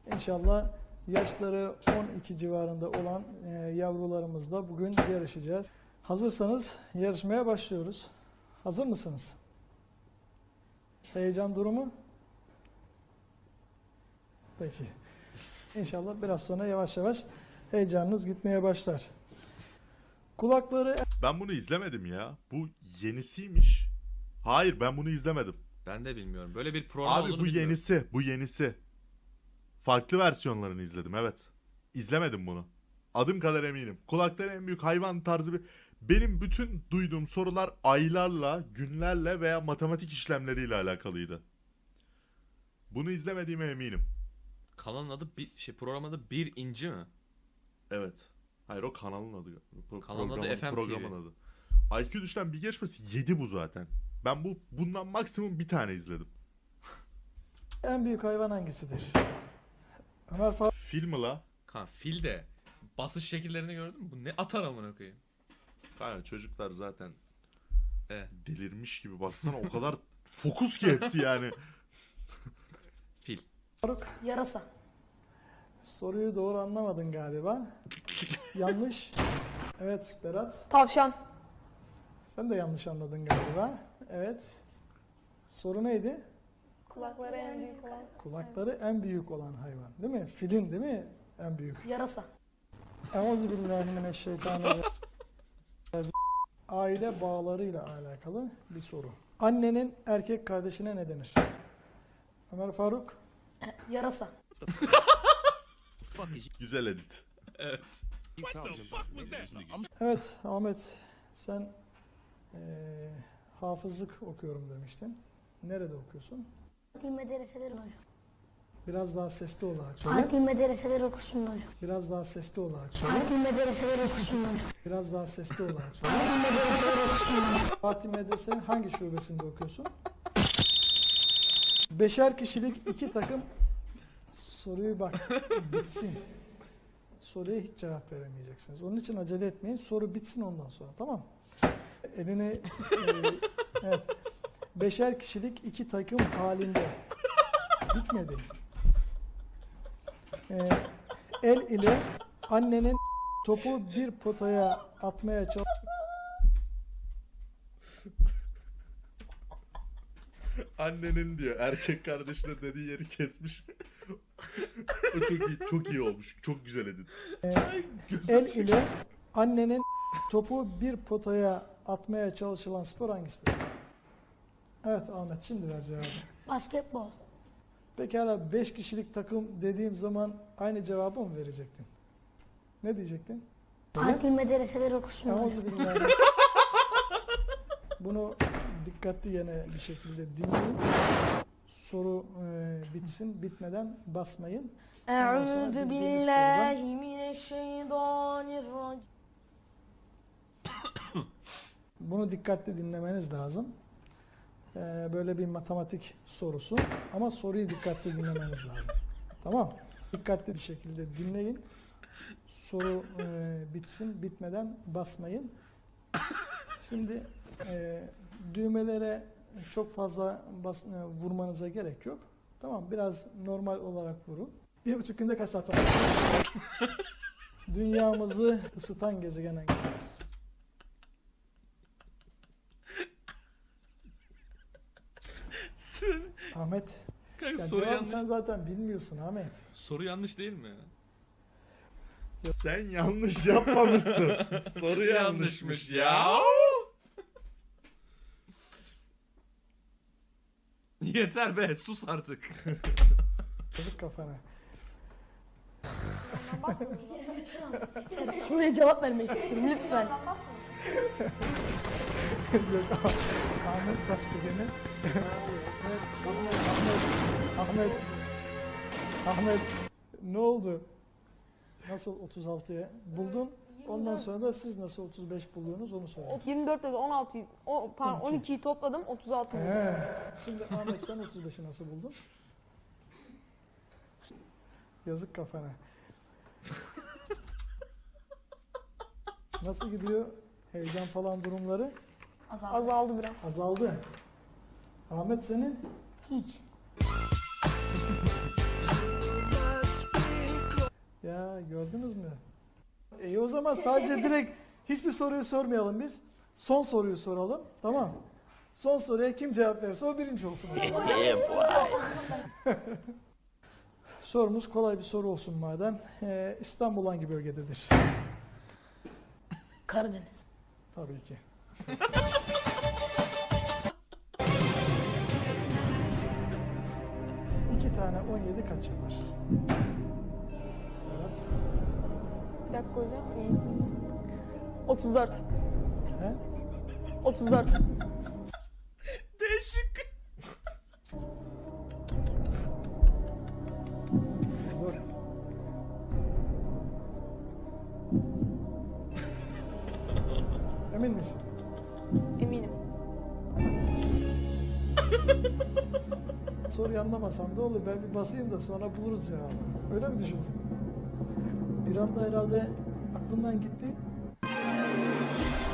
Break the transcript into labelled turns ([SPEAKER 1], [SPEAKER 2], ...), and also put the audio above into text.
[SPEAKER 1] İnşallah yaşları 12 civarında olan yavrularımızla bugün yarışacağız. Hazırsanız yarışmaya başlıyoruz. Hazır mısınız? Heyecan durumu? Peki. İnşallah biraz sonra yavaş yavaş heyecanınız gitmeye başlar. Kulakları...
[SPEAKER 2] Ben bunu izlemedim ya. Bu yenisiymiş. Hayır, ben bunu izlemedim.
[SPEAKER 3] Ben de bilmiyorum. Böyle bir program
[SPEAKER 2] Abi
[SPEAKER 3] olduğunu
[SPEAKER 2] bu
[SPEAKER 3] bilmiyorum.
[SPEAKER 2] yenisi. Bu yenisi. Farklı versiyonlarını izledim, evet. İzlemedim bunu. Adım kadar eminim. Kulakları en büyük hayvan tarzı bir... Benim bütün duyduğum sorular aylarla, günlerle veya matematik işlemleriyle alakalıydı. Bunu izlemediğime eminim.
[SPEAKER 3] Kanalın adı programın adı Bir İnci mi?
[SPEAKER 2] Evet. Hayır, o kanalın adı.
[SPEAKER 3] Kanalın adı FM TV.
[SPEAKER 2] Programın adı. IQ düşen bir geçmesi 7 bu zaten. Ben bundan maksimum bir tane izledim.
[SPEAKER 1] En büyük hayvan hangisidir?
[SPEAKER 2] Film mi la?
[SPEAKER 3] Kan fil de basış şekillerini gördün mü? Bu ne atar amına koyayım.
[SPEAKER 2] Kanka çocuklar zaten
[SPEAKER 3] Evet.
[SPEAKER 2] delirmiş gibi, baksana o kadar fokus ki hepsi yani.
[SPEAKER 3] Fil.
[SPEAKER 1] Faruk,
[SPEAKER 4] Yarasa.
[SPEAKER 1] soruyu doğru anlamadın galiba. Yanlış. Evet Berat,
[SPEAKER 4] Tavşan.
[SPEAKER 1] sen de yanlış anladın galiba. Evet. Soru neydi?
[SPEAKER 4] Kulakları en büyük olan.
[SPEAKER 1] Kulakları en büyük olan hayvan, değil mi? Filin değil mi en büyük?
[SPEAKER 4] Yarasa.
[SPEAKER 1] Euzubillahimineşşeytanirracim. Aile bağlarıyla alakalı bir soru. Annenin erkek kardeşine ne denir? Ömer Faruk,
[SPEAKER 4] Yarasa.
[SPEAKER 2] Güzel edit.
[SPEAKER 3] Evet.
[SPEAKER 1] evet Ahmet, sen hafızlık okuyorum demiştin. Nerede okuyorsun?
[SPEAKER 4] Adli medreseler hocam.
[SPEAKER 1] Biraz daha sesli olarak söyle.
[SPEAKER 4] Adli medreseler okusun hocam.
[SPEAKER 1] Biraz daha sesli olarak söyle.
[SPEAKER 4] Adli medreseler okusun hocam.
[SPEAKER 1] Biraz daha sesli olarak söyle.
[SPEAKER 4] Adli medreseler okusun hocam.
[SPEAKER 1] Fatih Medrese'nin hangi şubesinde okuyorsun? Beşer kişilik iki takım. Soruyu bak bitsin. Soruya hiç cevap veremeyeceksiniz. Onun için acele etmeyin. Soru bitsin ondan sonra, tamam mı? Elini evet. Beşer kişilik iki takım halinde. Bitmedi. El ile annenin topu bir potaya atmaya çalış.
[SPEAKER 2] Annenin diyor, erkek kardeşine dediği yeri kesmiş. O çok iyi, çok iyi olmuş. Çok güzel edit.
[SPEAKER 1] El ile annenin topu bir potaya atmaya çalışılan spor hangisidir? Evet Ahmet, şimdi ver cevabı.
[SPEAKER 4] Basketbol.
[SPEAKER 1] Pekala 5 kişilik takım dediğim zaman aynı cevabı mı verecektin? Ne diyecektin?
[SPEAKER 4] Adli medreseler okusun hocam.
[SPEAKER 1] Euzubillahimineşşeytanirracim. Bunu dikkatli yine bir şekilde dinleyin. Soru bitsin, bitmeden basmayın.
[SPEAKER 4] Eûzü billahi mineşşeytanirracim.
[SPEAKER 1] Bunu dikkatli dinlemeniz lazım. Böyle bir matematik sorusu ama soruyu dikkatli dinlemeniz lazım. Tamam. Dikkatli bir şekilde dinleyin. Soru bitsin, bitmeden basmayın. Şimdi düğmelere çok fazla vurmanıza gerek yok. Tamam, biraz normal olarak vurun. 1,5 günde kaç saat var? Dünyamızı ısıtan gezegen hangisidir? Ahmet.
[SPEAKER 3] Kanka
[SPEAKER 1] Ya
[SPEAKER 3] soru
[SPEAKER 1] cevabı
[SPEAKER 3] yanlış.
[SPEAKER 1] sen zaten bilmiyorsun Ahmet.
[SPEAKER 3] Soru yanlış değil mi?
[SPEAKER 2] Sen yanlış yapmamışsın. Soru yanlışmış ya.
[SPEAKER 3] Yeter be, sus artık.
[SPEAKER 1] Yazık kafana.
[SPEAKER 4] Soruya cevap vermek istiyorum lütfen.
[SPEAKER 1] Yok, Ahmet bastı gene. Ahmet, ne oldu? Nasıl 36'ya buldun? Ondan sonra da siz nasıl 35 buluyorsunuz onu söyleyin.
[SPEAKER 5] 24 dedi 16'yı, pardon 12'yi topladım 36 buldum.
[SPEAKER 1] He. Şimdi Ahmet, sen 35'i nasıl buldun? Yazık kafana. Nasıl gidiyor? Heyecan falan durumları
[SPEAKER 5] Azaldı biraz.
[SPEAKER 1] azaldı. Ahmet senin?
[SPEAKER 4] Hiç.
[SPEAKER 1] gördünüz mü? O zaman sadece direkt hiçbir soruyu sormayalım biz. Son soruyu soralım. Tamam. Son soruya kim cevap verirse o birinci olsun o zaman. Sorumuz kolay bir soru olsun madem. İstanbul hangi bölgededir?
[SPEAKER 4] Karadeniz.
[SPEAKER 1] Tabii ki. İki tane 17 kaç yapar? Evet.
[SPEAKER 5] Bir dakika hocam. 34.
[SPEAKER 1] He?
[SPEAKER 5] 34.
[SPEAKER 3] Değişik.
[SPEAKER 1] 34. Emin misin?
[SPEAKER 5] Eminim.
[SPEAKER 1] Soruyu anlamasam da olur. Ben bir basayım da sonra buluruz cevabı. Öyle mi düşündün? Bir anda herhalde aklımdan gitti.